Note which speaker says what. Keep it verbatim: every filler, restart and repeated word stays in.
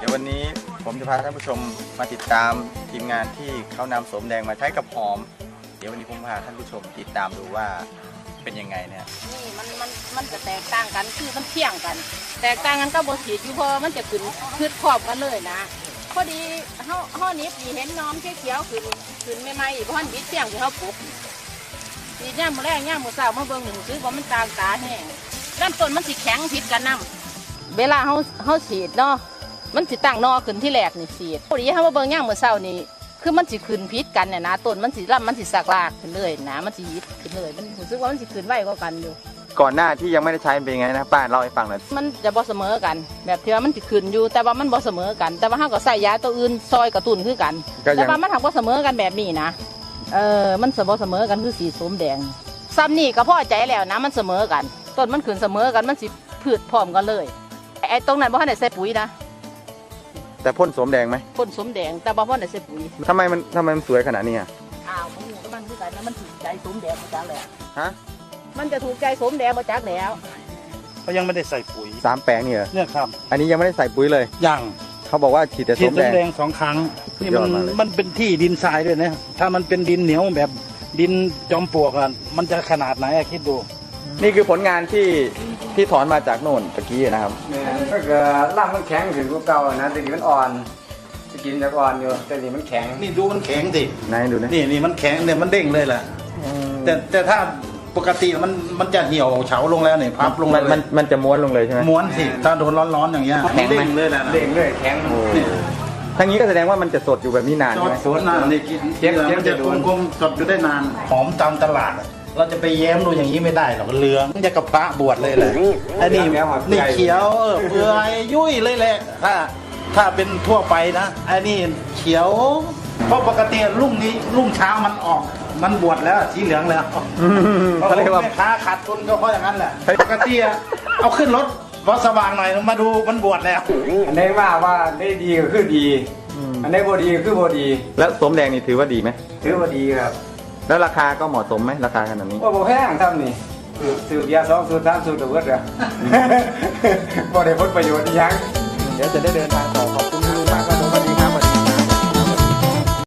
Speaker 1: ดี๋ยววันนี้ผมจะพาท่านผู้ชมมาติดตามทีมงานที่เขานำโสมแดงมาใช้กับหอมเดี๋ยววันนี้ผมพาท่านผู้ชมติดตามดูว่าเป็นยังไงเนี่ย
Speaker 2: นี่มันมันมันจะแตกต่างกันคือมันเที่ยงกัน แตกต่างกันก็บ่ฉีดอยู่เพราะมันจะขึ้นพืชครอบกันเลยนะพอดีเฮาเฮานี้ปีเห็นน้อมเขียวๆขึ้นขึ้นใหม่ๆเพราะมันบิดเที่ยงที่เฮาปลูกปีย่ามมื้อแรกย่ามมื้อเช้ามาเบิ่งหนึ่งซื้อว่ามันต่างตาแห้งลำต้นมันสิแข็งผิดกันนำเวลาเฮาเฮาฉีดเนาะมันสิตั้งนอขึ้นที่แรกนี่ฉีดพอดีเฮามาเบิ่งย่ามมื้อเช้านี่คือมันสิขึ้นพิษกันเนี่ยนะต้นมันสิลำมันสิสักลากขึ้นเลยนะมันสิยิดขึ้นเลยมันรู้สึกว่ามันสิขึ้นไวกว่ากันอยู่
Speaker 1: ก่อนหน้าที่ยังไม่ได้ใช้เป็นยังไงนะป้าเล่าให้ฟังหน่อย
Speaker 2: มันจะบ่เสมอกันแบบที่ว่ามันสิขึ้นอยู่แต่ว่ามันบ่เสมอกันแต่ว่าเฮาก็ใส่ยาตัวอื่นซอยกระตุ้นคือกันแต่ว่ามันทำบ่เสมอกันแบบนี้นะเออมันสบ่เสมอกันคือสีส้มแดงซ้ำนี่ก็พอใจแล้วนะมันเสมอกันต้นมันขึ้นเสมอกันมันสิพืชพร้อมกันเลยไอ้ตรงนั้นบ่ทันได้ใส่ปุ๋ยนะ
Speaker 1: แต่พ่นโสมแดงไหม
Speaker 2: พ่นโสมแดงแต่บ่ทันได้ใส่ปุ๋ย
Speaker 1: ทำไมมันทำไมมันสวยขนาดนี้อ่ะ
Speaker 2: อ้าวมันอยู่กับมันคือกันนะมันถูกใจโสมแดงมาจากแล้ว
Speaker 1: ฮะ
Speaker 2: มันจะถูกใจโสมแดงมาจากแล้ว
Speaker 3: เขายังไม่ได้ใส่ปุ๋ย
Speaker 1: สามแปลงนี่เหรอ
Speaker 3: เนี่ยครับ
Speaker 1: อันนี้ยังไม่ได้ใส่ปุ๋ยเลย
Speaker 3: ยัง
Speaker 1: เขาบอกว่าฉีดแต่โสมแดง
Speaker 3: ฉีดโสมแดงสองครั้งนี่มันมันเป็นที่ดินทรายด้วยนะถ้ามันเป็นดินเหนียวแบบดินจอมปลวกอ่ะมันจะขนาดไหนอะคิดดู
Speaker 1: นี่คือผลงานที่ที่ถอนมาจากโน่นตะกี้นะครับ
Speaker 4: ก็คือร่างมันแข็งถึงกว่าเก่านะแต่นี่มันอ่อนจะกินจะอ่อนอยู่แต่นี่มันแข็ง
Speaker 3: นี่ดูมันแข็งสิ
Speaker 1: ไหนดูนะ
Speaker 3: นี่นี่มันแข็งเนี่ยมันเด้งเลยแหละแต่แต่ถ้าปกติมันมันจะเหี่ยวเฉาลงแล้วเนี่ยพับลงเลย
Speaker 1: มันมันจะม้วนลงเลยใช่ไหม
Speaker 3: ม้วนสิถ้าโดนร้อนๆอย่างเงี้ย
Speaker 1: แข็ง
Speaker 3: เด้งเลยแหละ
Speaker 4: เด้งเลยแข็ง
Speaker 1: ทั้งนี้ก็แสดงว่ามันจะสดอยู่แบบนี้นาน
Speaker 3: ใช่ไหมสดนานนี่กินเจ็บมันจะคงๆสดอยู่ได้นานหอมตามตลาดเราจะไปแย้มดูอย่างนี้ไม่ได้หรอกเหลืองจะกับพระบวชเลยแหละไอ้นี่นี่เขียวเออเปื่อยยุ่ยเลยแหละถ้าถ้าเป็นทั่วไปนะไอ้นี่เขียวเพราะปกติรุ่งนี้รุ่งเช้ามันออกมันบวชแล้วสีเหลืองแล้วเขาเรียกว่าแม่ค้าขาดทุนก็เพราะอย่างนั้นแหละปกติเอาขึ้นรถรถสว่างหน่อยมาดูมันบวชแล้ว
Speaker 4: อันนี้ว่าว่าได้ดีก็คือดีอันนี้บ่ดีก็คือบ่ดี
Speaker 1: แล้วโสมแดงนี่ถือว่าดีไหม
Speaker 4: ถือว่าดีครับ
Speaker 1: แล้วราคาก็เหมาะสมไหมราคาขนาดนี้
Speaker 4: ว่าบ่แพงทำนี่สูตรยาสองสูตรสามสูตรตัวเบิดอะบ่ได้ผลประโยชน์ยัง
Speaker 1: เดี๋ยวจะได้เดินทางต่อขอบคุณคุณลุงมาก